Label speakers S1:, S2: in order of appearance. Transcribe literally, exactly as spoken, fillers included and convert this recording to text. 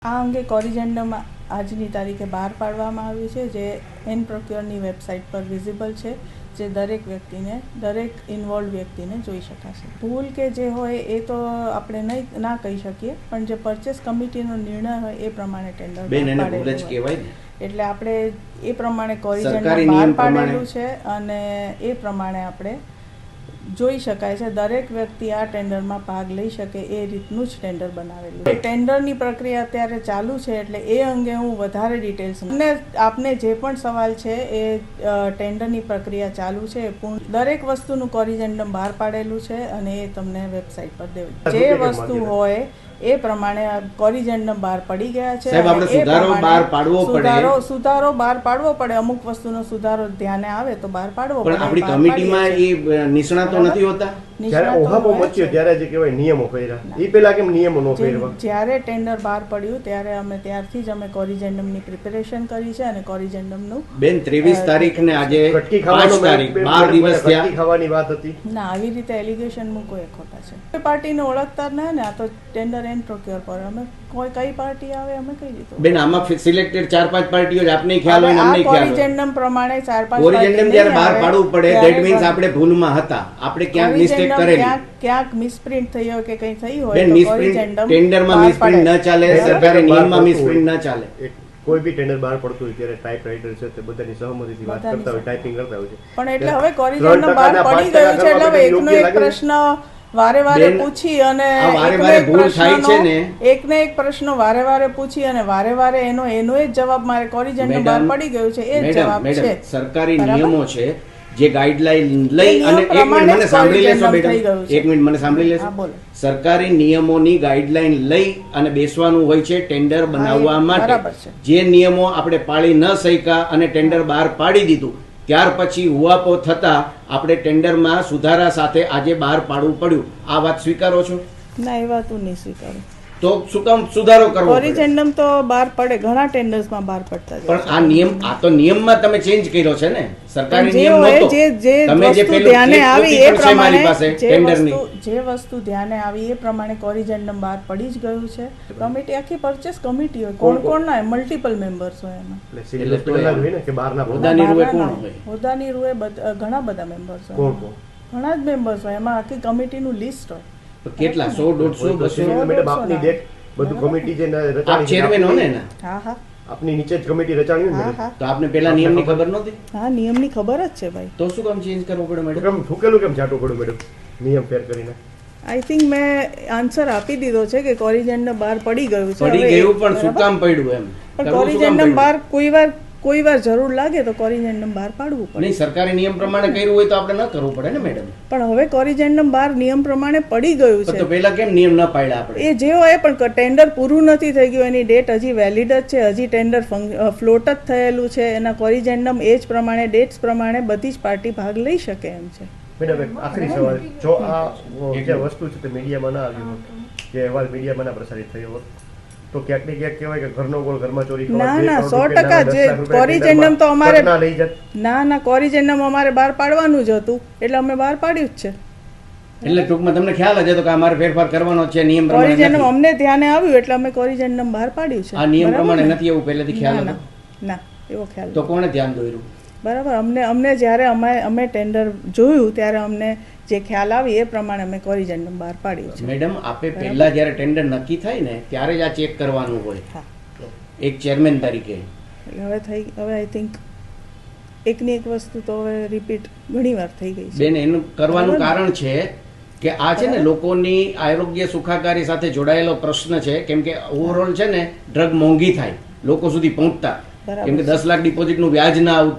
S1: આ અંગે કોરિજેન્ડમ આજની તારીખે બહાર પાડવામાં આવ્યું છે, જે એન પ્રોક્યોરની વેબસાઇટ પર વિઝિબલ છે, જે દરેક વ્યક્તિને દરેક ઇન્વોલ્વ વ્યક્તિને જોઈ શકાશે. ભૂલ કે જે હોય એ તો આપણે નહીં ના કહી શકીએ, પણ જે પરચેસ કમિટીનો નિર્ણય હોય એ પ્રમાણે ટેન્ડર પાડેલું હોય, એટલે આપણે એ પ્રમાણે કોરિજેન્ડમ બહાર પાડેલું છે અને એ પ્રમાણે આપણે જોઈ શકાય છે. દરેક વ્યક્તિ આ ટેન્ડરમાં ભાગ લઈ શકે એ રીતનું જ ટેન્ડર બનાવેલું છે. ટેન્ડરની પ્રક્રિયા અત્યારે ચાલુ છે, એટલે એ અંગે હું વધારે ડિટેલ્સ અને આપને જે પણ સવાલ છે એ ટેન્ડરની પ્રક્રિયા ચાલુ છે. પૂર્ણ દરેક વસ્તુનું કોરિજેન્ડમ બહાર પાડેલું છે અને એ તમને વેબસાઇટ પર દેવું. જે વસ્તુ હોય એ પ્રમાણે કોરિજેન્ડમ બહાર પડી ગયા છે. સુધારો બહાર પાડવો પડે સુધારો બહાર પાડવો પડે અમુક વસ્તુનો સુધારો ધ્યાને આવે તો બહાર પાડવો પડે.
S2: આપણી કમિટીમાં એ નિષ્ણાતો નથી હોતા.
S3: જ્યારે ઓહાપો મચ્યો ત્યારે જે કહેવાય નિયમો કર્યા, એ પહેલા કેમ નિયમો નો કર્યા?
S1: જ્યારે ટેન્ડર બહાર પડ્યું ત્યારે અમે ત્યારથી જ અમે કોરિજેન્ડમની પ્રિપેરેશન કરી છે અને કોરિજેન્ડમનું
S2: બેન ત્રેવીસ તારીખ ને આજે પાંચ તારીખ બાર દિવસ થયા
S3: ખાવાની વાત હતી.
S1: ના, આવી રીતે એલિગેશન મૂકો એ ખોટા છે. કોઈ પાર્ટીને ઓળખતા જ ના ને, આ તો ટેન્ડર એન્ડ પ્રોક્યોર પર અમે કોઈ કઈ પાર્ટી આવે અમે કહી દીધું.
S2: બેન આમાં સિલેક્ટેડ ચાર પાંચ પાર્ટીઓ જ આપને ખ્યાલ હોય, અમને ખ્યાલ હોય.
S1: કોરિજેન્ડમ પ્રમાણે ચાર પાંચ
S2: કોરિજેન્ડમ જ્યારે બહાર પાડવું પડે ધેટ મીન્સ આપણે ભૂલમાં હતા, આપણે ક્યાંક મિસ્ટેક કરેલી,
S1: ક્યાંક મિસપ્રિન્ટ થઈ હોય કે કંઈ થઈ હોય
S2: બેન. મિસપ્રિન્ટ ટેન્ડરમાં મિસપ્રિન્ટ ન ચાલે, સરકારી નિયમમાં મિસપ્રિન્ટ ન ચાલે.
S3: કોઈ બી ટેન્ડર બહાર પડતું હોય ત્યારે ટાઈપ રાઇટર છે તે બધાની સહમતીથી વાત કરતા હોય, ટાઈપિંગ કરતા હોય છે.
S1: પણ એટલે હવે કોરિજેન્ડમ બહાર પડી ગયું છે, એટલે હવે એકનો એક પ્રશ્ન વારે વારે પૂછી અને એકને એક પ્રશ્ન વારે વારે પૂછી અને વારે વારે એનો એનો જ જવાબ મારે કોરિજેન્ડમ બહાર પડી ગયું છે એ જ જવાબ છે.
S2: સરકારી નિયમો છે જે ગાઈડલાઈન લઈ અને એક મિનિટ મને સાંભળી લેશો બેટા, એક મિનિટ મને સાંભળી લેશો. સરકારી નિયમોની ગાઈડલાઈન લઈ અને બેસવાનું હોય છે ટેન્ડર બનાવવા માટે. જે નિયમો આપણે પાળી ન શક્યા અને ટેન્ડર બહાર પાડી દીધું, ત્યાર પછી હુઆપો થતા આપણે ટેન્ડરમાં સુધારા સાથે આજે બહાર પાડવું પડ્યું. આ વાત સ્વીકારો છો?
S1: ના, એ વાત હું નહીં સ્વીકારું.
S2: તો શું કામ સુધારો કરવો?
S1: કોરિજેન્ડમ તો બહાર પડે, ઘણા ટેન્ડર્સમાં બહાર પડતા છે.
S2: પણ આ નિયમ, આ તો નિયમમાં તમે ચેન્જ કર્યો છે ને, સરકારી નિયમ નહોતો.
S1: જે જે વસ્તુ ધ્યાને આવી એ પ્રમાણે જે વસ્તુ જે વસ્તુ ધ્યાને આવી એ પ્રમાણે કોરિજેન્ડમ બહાર પડી જ ગયું છે. કમિટી આખી પરચેસ કમિટી હોય, કોણ કોણ ના મલ્ટિપલ મેમ્બર્સ હોય એમાં.
S2: એટલે તો હોય ને કે બહારના હોદ્દાની રૂએ કોણ હોય?
S1: હોદ્દાની રૂએ ઘણા બધા મેમ્બર્સ હોય, ઘણા જ મેમ્બર્સ હોય, એમાં આખી કમિટીનું લિસ્ટ હોય.
S2: કેટલા સો દોઢસો બસો
S3: મેડમ આપની દેખ બધું કમિટી જે
S2: આપ ચેરમેન હો ને?
S1: હા હા,
S3: આપની નીચે જ કમિટી રચાણી ને.
S2: તો આપને પેલા નિયમની ખબર નહોતી?
S1: હા, નિયમની ખબર જ છે ભાઈ.
S2: તો શું કામ ચેન્જ કરવો પડે મેડમ?
S3: કેમ ઠુકેલું કેમ છાટું પડ્યું મેડમ નિયમ ફેર કરીને?
S1: આઈ થિંક મેં આન્સર આપી દીધો છે કે કોરિજેન્ડમ બહાર પડી ગયું છે.
S2: પડી ગયું પણ શું કામ પડ્યું એમ?
S1: પણ કોરિજેન્ડમ બહાર કોઈ વાર કોઈ વાર જરૂર લાગે તો કોરિજેન્ડમ બહાર પાડવું પડે.
S2: નહીં, સરકારી નિયમ પ્રમાણે કર્યું હોય તો આપણે ન કરવું પડે ને મેડમ?
S1: પણ હવે કોરિજેન્ડમ બહાર નિયમ પ્રમાણે પડી ગયું છે
S2: તો પહેલા કેમ નિયમ ન પાડ્યા આપણે?
S1: એ જે હોય, પણ ટેન્ડર પૂરું નથી થઈ ગયું, એની ડેટ હજી વેલિડ જ છે, હજી ટેન્ડર ફ્લોટ જ થયેલું છે, એના કોરિજેન્ડમ એ જ પ્રમાણે ડેટ્સ પ્રમાણે બધી જ પાર્ટી ભાગ લઈ શકે એમ છે.
S3: મેડમ એક આખરી સવાલ, જો આ જે વસ્તુ છે તે મીડિયામાં ના આવ્યું હોત, જે અહેવાલ મીડિયામાં ના પ્રસારિત થયો હોત, તો ક્યાંક ને ક્યાંક કહેવાય કે ઘરનો ગોળ ઘરમાં ચોરી.
S1: ના ના, સો ટકા જે કોરિજેન્ડમ તો અમારે ના ના કોરિજેન્ડમ અમારે બહાર પાડવાનું જ હતું, એટલે અમે બહાર પાડ્યું જ છે.
S2: એટલે ટૂંકમાં તમને ખ્યાલ જ હતો કે અમારે ફેરફાર કરવાનો છે નિયમ પ્રમાણે.
S1: કોરિજેન્ડમ અમને ધ્યાને આવ્યું એટલે અમે કોરિજેન્ડમ બહાર પાડ્યું છે.
S2: આ નિયમ પ્રમાણે નથી એવું પહેલેથી ખ્યાલ હતો?
S1: ના, એવો ખ્યાલ.
S2: તો કોણે ધ્યાન દોર્યું?
S1: બરાબર, અમને અમને જ્યારે અમે અમે ટેન્ડર જોયું ત્યારે અમને જે ખ્યાલ આવી એ પ્રમાણે અમે કોરિજેન્ડમ બહાર પાડ્યું છે.
S2: મેડમ, આપે પહેલા જ્યારે ટેન્ડર નક્કી થાય ને ત્યારે જ આ ચેક કરવાનું હોય એક ચેરમેન તરીકે.
S1: એટલે હવે થઈ હવે આઈ થિંક એકની એક વસ્તુ તો હવે રિપીટ ઘણી વાર થઈ ગઈ છે.
S2: બેન, એનું કરવાનું કારણ છે કે આ છે ને લોકોની આરોગ્ય સુખાકારી સાથે જોડાયેલો પ્રશ્ન છે. કેમ કે ઓવરઓલ છે ને ડ્રગ મોંઘી થાય લોકો સુધી પહોંચતા, કેમ કે દસ લાખ ડિપોઝિટનું વ્યાજ ના આવતું